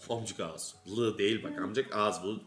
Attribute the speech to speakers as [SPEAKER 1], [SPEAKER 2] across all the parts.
[SPEAKER 1] Amcık ağız. Lı değil bak amcık ağız bu.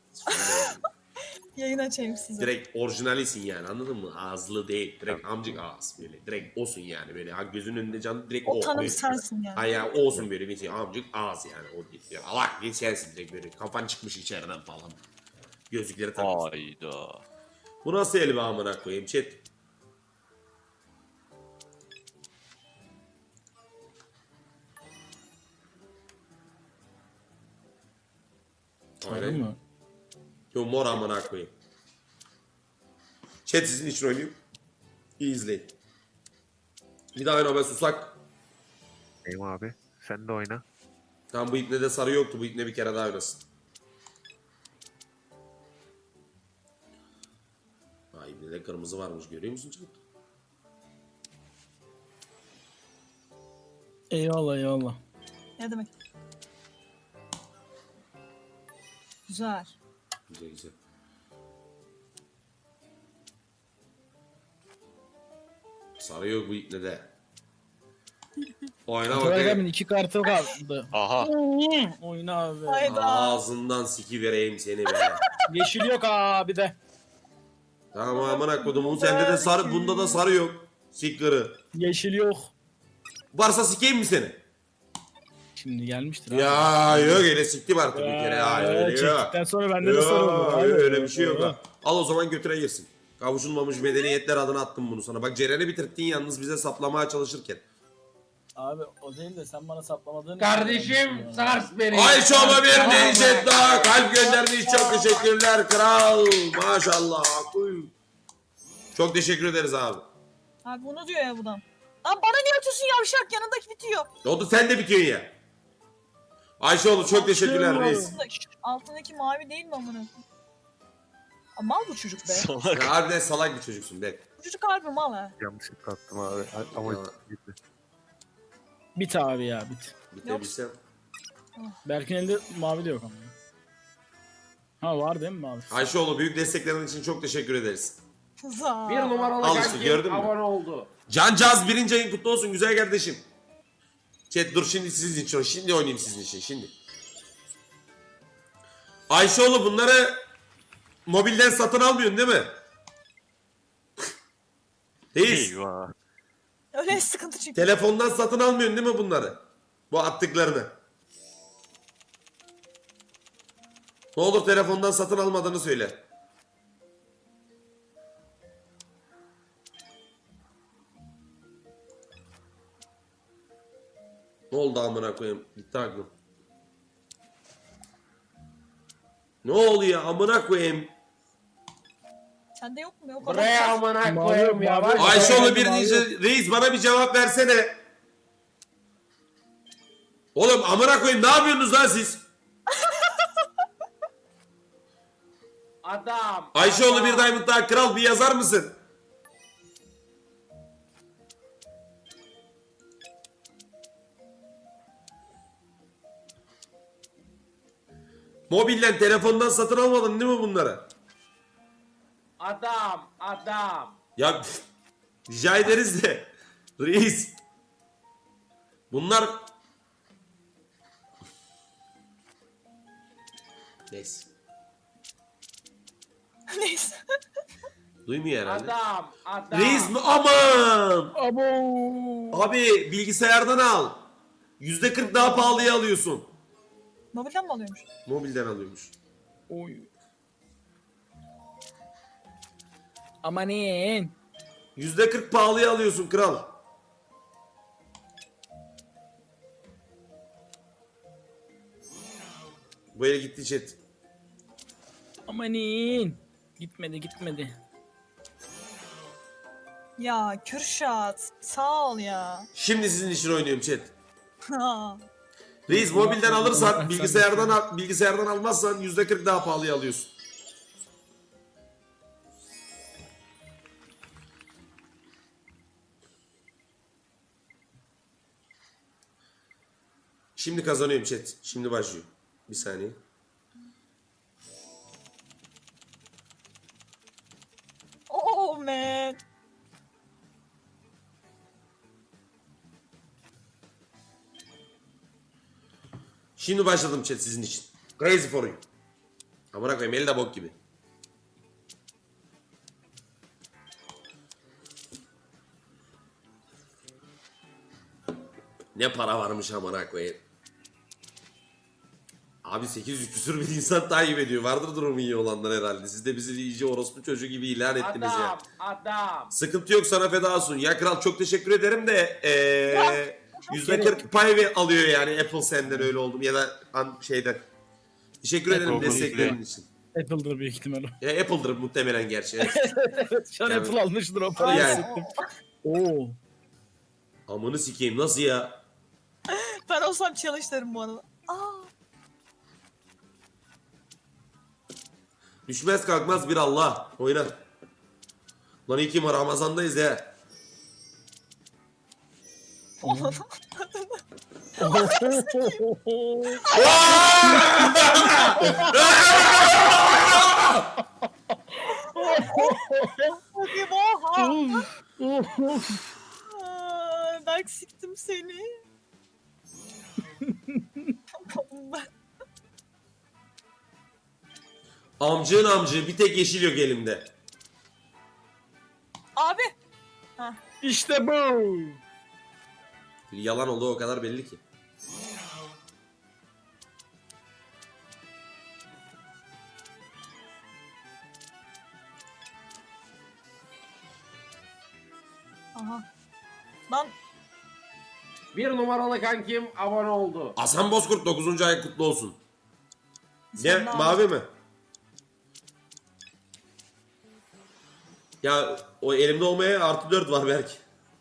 [SPEAKER 2] Yayın açayım size.
[SPEAKER 1] Direkt orijinalisin yani anladın mı? Ağızlı değil. Direkt amcık ağız böyle. Direkt osun yani böyle. Ha gözünün önünde canlı direkt
[SPEAKER 2] O tanım
[SPEAKER 1] böyle.
[SPEAKER 2] sensin yani.
[SPEAKER 1] Ha ya o olsun böyle bir şey. Amcık ağız yani o değil. Ya, Allah bir sensin direkt böyle. Kafan çıkmış içeriden falan. Gözlükleri takmışsın.
[SPEAKER 3] Hayda.
[SPEAKER 1] Bu nasıl el be amına koyayım chat.
[SPEAKER 4] Sarı mı?
[SPEAKER 1] Yo mor amına koyayım. Chat sizin için oynayayım. İyi izleyin. Bir daha oyna be susak.
[SPEAKER 5] Neyim abi? Sen de oyna.
[SPEAKER 1] Tamam bu ipne de sarı yoktu. Bu ipne bir kere daha oynasın. Ha ipnede kırmızı varmış görüyor musun chat?
[SPEAKER 4] Eyvallah eyvallah.
[SPEAKER 2] Ne demek? Güzel.
[SPEAKER 1] Güzel güzel. Sarı yok bu ipnede. Oyna
[SPEAKER 4] Ataberk
[SPEAKER 1] bakayım.
[SPEAKER 4] abinin 2 kartı kaldı.
[SPEAKER 3] Aha.
[SPEAKER 4] Oyna abi.
[SPEAKER 2] Hayda.
[SPEAKER 1] Ağzından siki vereyim seni be.
[SPEAKER 4] Yeşil yok abi de.
[SPEAKER 1] Tamam amına kodumun sende de sarı bunda da sarı yok. Sikları.
[SPEAKER 4] Yeşil yok.
[SPEAKER 1] Varsa sikeyim mi seni?
[SPEAKER 4] Şimdi gelmiştir abi.
[SPEAKER 1] Ya yok öyle siktim artık bir kere ya öyle yok.
[SPEAKER 4] Çektikten sonra bende de sarı
[SPEAKER 1] Yok
[SPEAKER 4] oldu. Abi.
[SPEAKER 1] öyle bir şey yok ha. Al o zaman götüre girsin. Kavuşulmamış medeniyetler adına attım bunu sana. Bak Ceren'i bitirttin yalnız bize saplamaya çalışırken.
[SPEAKER 4] Abi o değil de sen bana saplamadığın
[SPEAKER 6] Kardeşim sars beni.
[SPEAKER 1] Ayşo'ma bir değişik daha kalp göndermiş çok teşekkürler kral. Maşallah. Uy. Çok teşekkür ederiz abi.
[SPEAKER 2] Abi bunu diyor ya buradan. Lan bana niye atıyorsun yavşak yanındaki bitiyor.
[SPEAKER 1] Ne oldu sen de bitiyorsun ya. Ayşeoğlu çok teşekkürler reis.
[SPEAKER 2] Altındaki mavi değil mi amına koyayım? Aa, mal bu çocuk be.
[SPEAKER 3] Salak.
[SPEAKER 1] Ya harbiden salak bir çocuksun be.
[SPEAKER 2] Bu çocuk harbi mal ha.
[SPEAKER 5] Yanlışlıkla attım abi. Ama
[SPEAKER 1] Ya.
[SPEAKER 5] gitti.
[SPEAKER 4] Bit abi ya bit.
[SPEAKER 1] Bitebilsem.
[SPEAKER 4] Berk'in elinde mavi de yok ama. Ha var değil mi mavi?
[SPEAKER 1] Ayşeoğlu büyük desteklerin için çok teşekkür ederiz.
[SPEAKER 2] Za.
[SPEAKER 6] Bir numaralı
[SPEAKER 1] Al işte,
[SPEAKER 6] kankim
[SPEAKER 1] gördün mü?
[SPEAKER 6] abone oldu.
[SPEAKER 1] Cancaz birinci ayın kutlu olsun güzel kardeşim. Chat dur şimdi sizin için. Şimdi oynayayım sizin için şimdi. Ayşeoğlu bunları mobilden satın almıyorsun değil mi? Reis.
[SPEAKER 3] Eyvah.
[SPEAKER 2] Öyle sıkıntı çıktı.
[SPEAKER 1] Telefondan satın almıyorsun değil mi bunları? Bu attıklarını. Ne olur telefondan satın almadığını söyle. Ne oldu amına koyayım? Gitti aklım. Ne oluyor amına koyayım?
[SPEAKER 2] Sende yok mu? Yok.
[SPEAKER 6] Buraya amına
[SPEAKER 4] Mavi-
[SPEAKER 6] koyayım ya.
[SPEAKER 4] mavi-
[SPEAKER 6] Bak.
[SPEAKER 1] Ayşeoğlu birinci reis bana bir cevap versene. Oğlum amına koyayım ne yapıyorsunuz lan siz?
[SPEAKER 6] Adam.
[SPEAKER 1] Ayşeoğlu
[SPEAKER 6] adam.
[SPEAKER 1] bir diamond daha kral bir yazar mısın? Mobilden telefondan satın almadın değil mi bunları?
[SPEAKER 6] Adam.
[SPEAKER 1] Ya rica ederiz de reis. Bunlar neyse.
[SPEAKER 2] Neyse.
[SPEAKER 1] Duymuyor herhalde.
[SPEAKER 6] Adam.
[SPEAKER 1] Reis mi? Aman!
[SPEAKER 4] Abo.
[SPEAKER 1] Abi bilgisayardan al. %40 daha pahalıya alıyorsun.
[SPEAKER 2] Mobilden mi alıyormuş?
[SPEAKER 1] Mobilden alıyormuş.
[SPEAKER 4] Oy. Amanin.
[SPEAKER 1] %40 pahalıya alıyorsun kral. Bu ele gitti chat.
[SPEAKER 4] Amanin. Gitmedi.
[SPEAKER 2] Ya Kürşat sağ ol ya.
[SPEAKER 1] Şimdi sizin için oynuyorum chat.
[SPEAKER 2] Ha.
[SPEAKER 1] Reis mobilden alırsan bilgisayardan almazsan %40 daha pahalıya alıyorsun. Şimdi kazanıyorum chat. Şimdi başlıyor. Bir saniye.
[SPEAKER 2] Oh man.
[SPEAKER 1] Şimdi başladım chat sizin için. Crazy for you. Amına koyayım eli de bok gibi. Ne para varmış amına koyayım. Abi 800 küsür bir insan takip ediyor. Vardır durumu iyi olanlar herhalde. Siz de bizi iyice orospu çocuğu gibi ilan ettiniz ya.
[SPEAKER 6] Adam.
[SPEAKER 1] Sıkıntı yok, sana feda olsun. Ya kral çok teşekkür ederim de %40 pay alıyor yani Apple senden öyle oldum ya da şeyden. Teşekkür ederim
[SPEAKER 5] Google'da.
[SPEAKER 1] desteklerin için.
[SPEAKER 4] Apple'dır büyük ihtimal o.
[SPEAKER 1] Ya Apple'dır muhtemelen gerçi. Evet.
[SPEAKER 4] Evet şu an
[SPEAKER 1] Yani-
[SPEAKER 4] Apple almıştır o parayı
[SPEAKER 1] Yani.
[SPEAKER 4] hissettim. Oo.
[SPEAKER 1] Amını sikeyim nasıl ya?
[SPEAKER 2] Ben olsam çalışırım bu arada. Aa.
[SPEAKER 1] Düşmez kalkmaz bir Allah. Oyna. Lan iyi ki Ramazan'dayız ya.
[SPEAKER 2] Hadi oha. Aa, Berk siktim seni.
[SPEAKER 1] Amcığın amcığı bir tek yeşil yok elimde.
[SPEAKER 2] Abi.
[SPEAKER 4] İşte bu.
[SPEAKER 1] Yalan olduğu o kadar belli ki.
[SPEAKER 2] Aha. Lan
[SPEAKER 6] Bir numaralı kankim abone oldu.
[SPEAKER 1] Hasan Bozkurt 9. ay kutlu olsun. Ne?
[SPEAKER 2] Sen ne
[SPEAKER 1] Mavi mi? Ya o elimde olmaya artı 4 var belki.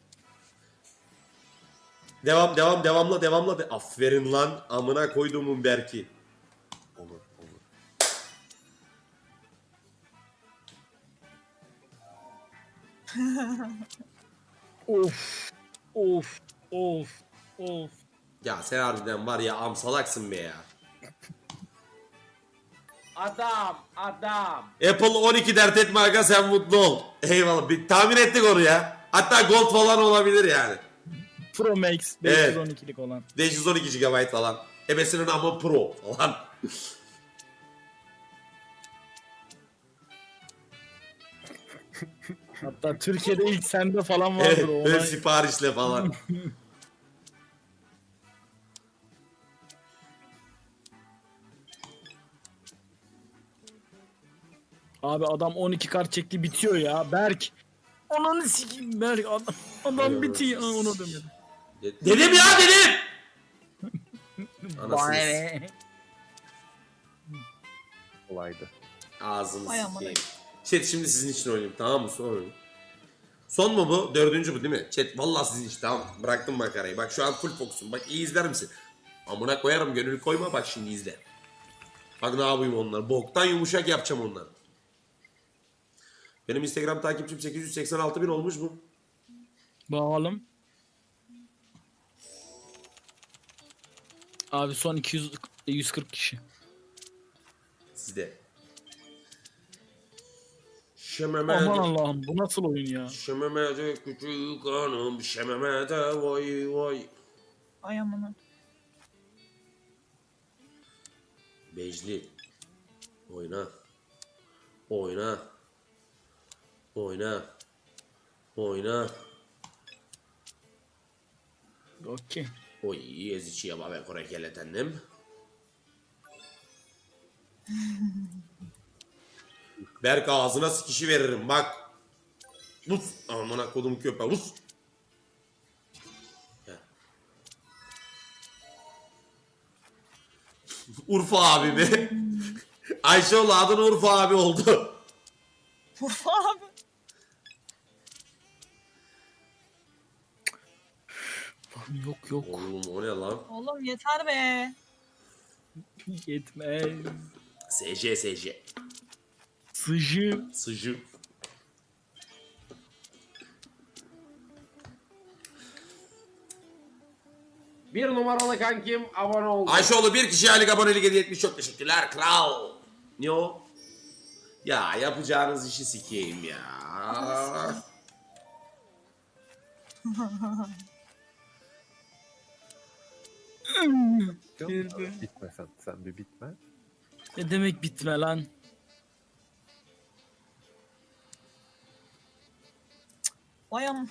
[SPEAKER 1] Devamla. Aferin lan amına koyduğumun Berk'i.
[SPEAKER 5] Olur olur.
[SPEAKER 4] Of. Of. Of. Of.
[SPEAKER 1] Ya sen harbiden var ya amsalaksın be ya.
[SPEAKER 6] Adam.
[SPEAKER 1] Apple 12 dert etme aga sen mutlu ol. Eyvallah bir tahmin ettik onu ya. Hatta Gold falan olabilir yani.
[SPEAKER 4] Pro Max
[SPEAKER 1] Evet.
[SPEAKER 4] 512'lik olan.
[SPEAKER 1] 512 GB falan. Ebesinin ama Pro falan.
[SPEAKER 4] Hatta Türkiye'de ilk sende falan vardır
[SPEAKER 1] Evet,
[SPEAKER 4] o
[SPEAKER 1] ön
[SPEAKER 4] olay.
[SPEAKER 1] siparişle falan.
[SPEAKER 4] Abi adam 12 kart çekti bitiyor ya. Berk. Ananı sikeyim Berk. Adam bitiyor. Aa, onu demedim.
[SPEAKER 1] Dedim ya dedim. Anasını
[SPEAKER 4] Vay.
[SPEAKER 5] Kolaydı.
[SPEAKER 1] ağzını
[SPEAKER 2] Ay aman.
[SPEAKER 1] sikeyim. Chat şimdi sizin için oynayayım tamam mı? Son oyun. Son mu bu? Dördüncü bu değil mi? Chat vallahi sizin için tamam. Bıraktım makarayı. Bak şu an full fokusum. Bak iyi izler misin? Amına koyarım gönül koyma bak şimdi izle. Bak ne yapayım onlar. Boktan yumuşak yapacağım onları. Benim Instagram takipçim 886 bin olmuş mu?
[SPEAKER 4] Bakalım. Abi son 140 kişi.
[SPEAKER 1] Sizde.
[SPEAKER 4] Aman
[SPEAKER 1] Şememe.
[SPEAKER 4] Allah'ım bu nasıl oyun ya?
[SPEAKER 1] Şememede küçük hanım. Şememede vay vay.
[SPEAKER 2] ay amına.
[SPEAKER 1] Becli. Oyna. Oyna. Oyna. Oyna.
[SPEAKER 4] Okey.
[SPEAKER 1] Oy ezici yaba ve korekeletendim. Berk ağzına sikişi veririm bak. Vus. Amına kodum köpe vus. Gel. Urfa abi be. Ayşeoğlu adın Urfa abi oldu.
[SPEAKER 2] Urfa abi.
[SPEAKER 4] Yok.
[SPEAKER 1] Oğlum o ne lan?
[SPEAKER 2] Oğlum yeter be.
[SPEAKER 4] Yetmez.
[SPEAKER 1] SC.
[SPEAKER 4] Sıcı.
[SPEAKER 1] Sıcı.
[SPEAKER 6] Bir numaralı kankim abone oldu.
[SPEAKER 1] Ayşeoğlu bir kişi aylık abonelik hediye etmiş. Çok teşekkürler kral. Ne o? Ya yapacağınız işi sikeyim ya.
[SPEAKER 4] Girdi.
[SPEAKER 5] Bitme sen. Sen bir bitme.
[SPEAKER 4] Ne demek bitme lan?
[SPEAKER 2] Vay am.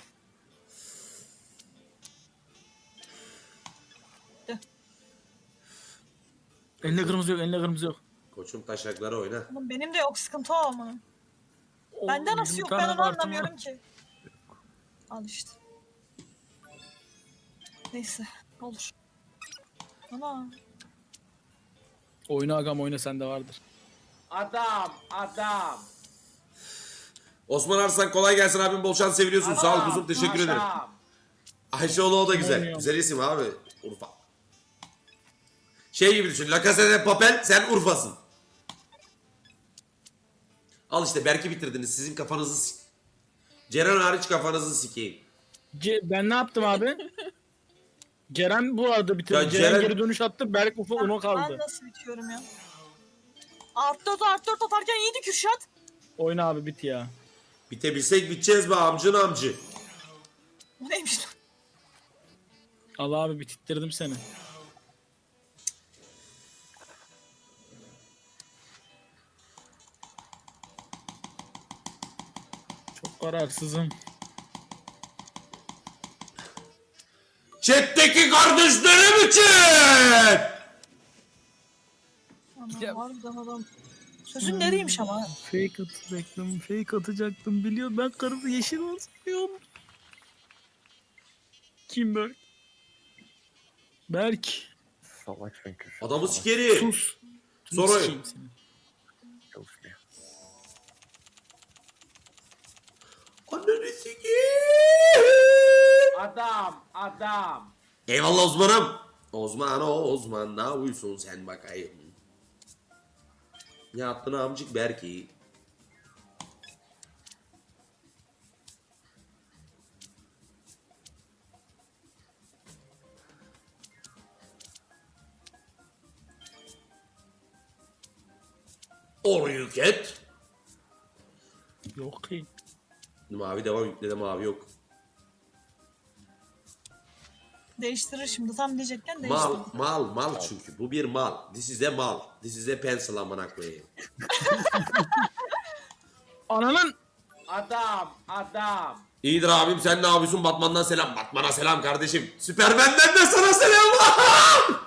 [SPEAKER 4] Elinde kırmızı yok, elinde kırmızı yok.
[SPEAKER 1] Koçum taşakları oyna.
[SPEAKER 2] Oğlum benim de yok sıkıntı o ama. Bende
[SPEAKER 4] Oo,
[SPEAKER 2] nasıl
[SPEAKER 4] 20
[SPEAKER 2] yok
[SPEAKER 4] tane
[SPEAKER 2] ben onu
[SPEAKER 4] kartım var.
[SPEAKER 2] anlamıyorum ki. Al işte. Neyse olur. Ana.
[SPEAKER 4] Oyna agam oyna, sende vardır.
[SPEAKER 6] Adam. Adam.
[SPEAKER 1] Osman Arslan kolay gelsin abim, bol şans, seviliyorsun. Sağ ol kuzum, teşekkür ederim.
[SPEAKER 6] Adam.
[SPEAKER 1] Ayşeoğlu o da güzel.
[SPEAKER 4] Oynuyor.
[SPEAKER 1] Güzel isim abi. Urfa. Şey gibi düşün. La Casa de Papel, sen Urfa'sın. Al işte Berk'i bitirdiniz. Sizin kafanızı Ceren hariç kafanızı sikeyim.
[SPEAKER 4] Ben ne yaptım abi? Ceren bu arada bitirdi.
[SPEAKER 1] Ya
[SPEAKER 4] Ceren
[SPEAKER 1] Ceren-
[SPEAKER 4] geri dönüş attı. Berk Ufa ona
[SPEAKER 2] Ben
[SPEAKER 4] kaldı.
[SPEAKER 2] nasıl bitiyorum ya? Art 4 atarken iyiydi Kürşat.
[SPEAKER 4] Oyna abi bit ya.
[SPEAKER 1] Bitebilsek biteceğiz be amcın amcı.
[SPEAKER 2] Bu neymiş lan?
[SPEAKER 4] Allah abi bitirttirdim seni. Çok kararsızım.
[SPEAKER 1] Chat'teki kardeşlerim için.
[SPEAKER 2] Ana
[SPEAKER 4] Ya-
[SPEAKER 2] harbiden adam. Sözün nereymiş ama?
[SPEAKER 4] Fake atacaktım, fake atacaktım. Biliyorum ben karısı yeşil olsun diyorum. Kim Berk? Berk.
[SPEAKER 5] Salak sen Kürşat.
[SPEAKER 1] Adamı
[SPEAKER 5] salak.
[SPEAKER 1] sikerim.
[SPEAKER 4] Sus.
[SPEAKER 1] Sonra-
[SPEAKER 4] Sikeyim seni.
[SPEAKER 5] Çalışmıyor.
[SPEAKER 1] Ananı sikeyim.
[SPEAKER 6] Adam. Adam.
[SPEAKER 1] Eyvallah Osman'ım. Osman ne yapıyorsun sen bakayım. Ne yaptın amcık Berk'i? Orayı ket.
[SPEAKER 4] Yok ki.
[SPEAKER 1] Mavi devam yüklede mavi yok.
[SPEAKER 2] Değiştirir şimdi tam diyecekken değiştirdi.
[SPEAKER 1] Mal çünkü. Bu bir mal. This is a mal. This is a pencil amına koyayım.
[SPEAKER 4] Ananın.
[SPEAKER 6] Adam. Adam.
[SPEAKER 1] İyidir abim, sen ne yapıyorsun? Batman'dan selam. Batman'a selam kardeşim. Süpermen'den de sana selam.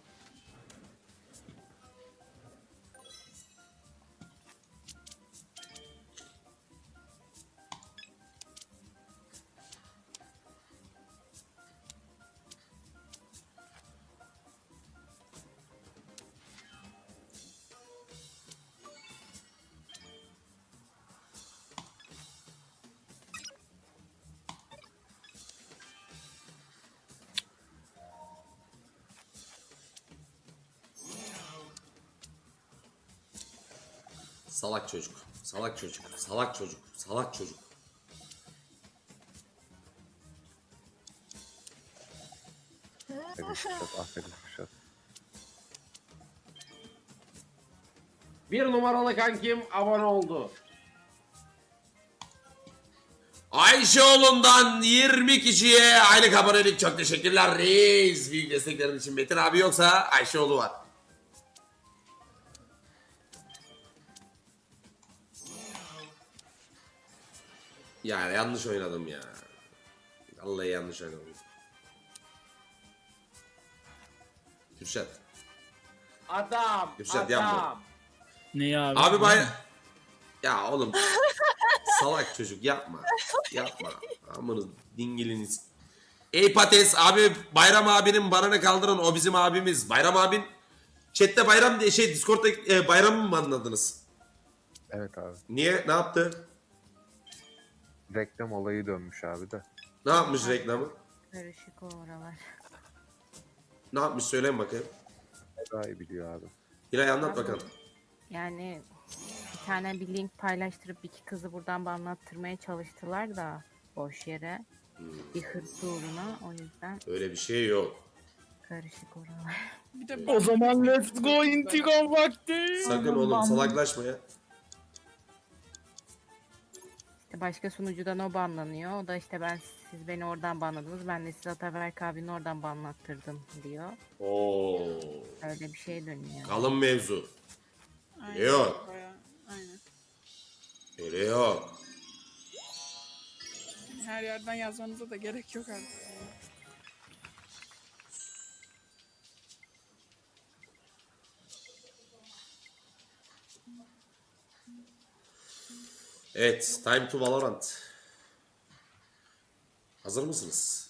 [SPEAKER 1] Salak çocuk. Salak çocuk. Salak çocuk. Salak çocuk.
[SPEAKER 5] Aferin Kürşat. Aferin Kürşat.
[SPEAKER 6] Bir numaralı kankim abone oldu.
[SPEAKER 1] Ayşeoğlu'ndan 20 kişiye aylık abonelik, çok teşekkürler reis. Büyük desteklerin için. Metin abi yoksa Ayşeoğlu var. Ya yanlış oynadım ya. Vallahi yanlış oynadım. Kürşat.
[SPEAKER 6] Adam.
[SPEAKER 1] Kürşat,
[SPEAKER 6] Adam.
[SPEAKER 1] yapma.
[SPEAKER 4] Ne ya abi?
[SPEAKER 1] Abi bay... Ya oğlum. Salak çocuk yapma. Yapma. Amanın dingiliniz. Ey Pates abi, Bayram abinin barını kaldırın, o bizim abimiz. Bayram abin chatte Bayram diye Discord'da Bayram'ı mı anladınız?
[SPEAKER 5] Evet abi.
[SPEAKER 1] Niye? Ne yaptı?
[SPEAKER 5] Reklam olayı dönmüş abi de.
[SPEAKER 1] Ne yapmış reklamı?
[SPEAKER 3] Karışık o oralar.
[SPEAKER 1] Ne yapmış söyleyin bakayım.
[SPEAKER 5] Daha iyi biliyor abi.
[SPEAKER 1] Hilal anlat bakalım.
[SPEAKER 3] Yani bir tane bir link paylaştırıp iki kızı buradan banlattırmaya çalıştılar da boş yere. Bir hırs uğruna, o yüzden
[SPEAKER 1] Öyle bir şey yok.
[SPEAKER 3] karışık oralar.
[SPEAKER 4] O zaman let's go intikam vakti.
[SPEAKER 1] Sakın
[SPEAKER 2] Aman
[SPEAKER 1] oğlum
[SPEAKER 2] Allah'ım.
[SPEAKER 1] salaklaşma ya.
[SPEAKER 3] İşte başka sunucudan o banlanıyor. O da işte siz beni oradan banladınız. Ben de size Ataberk abinin oradan banlattırdım diyor.
[SPEAKER 1] Oo.
[SPEAKER 3] Öyle bir şey dönüyor.
[SPEAKER 1] Kalın mevzu.
[SPEAKER 7] Aynen,
[SPEAKER 1] Biliyor.
[SPEAKER 7] bayağı, aynen.
[SPEAKER 1] Öyle yok.
[SPEAKER 7] Her yerden yazmanıza da gerek yok artık.
[SPEAKER 1] Evet, time to Valorant. Hazır mısınız?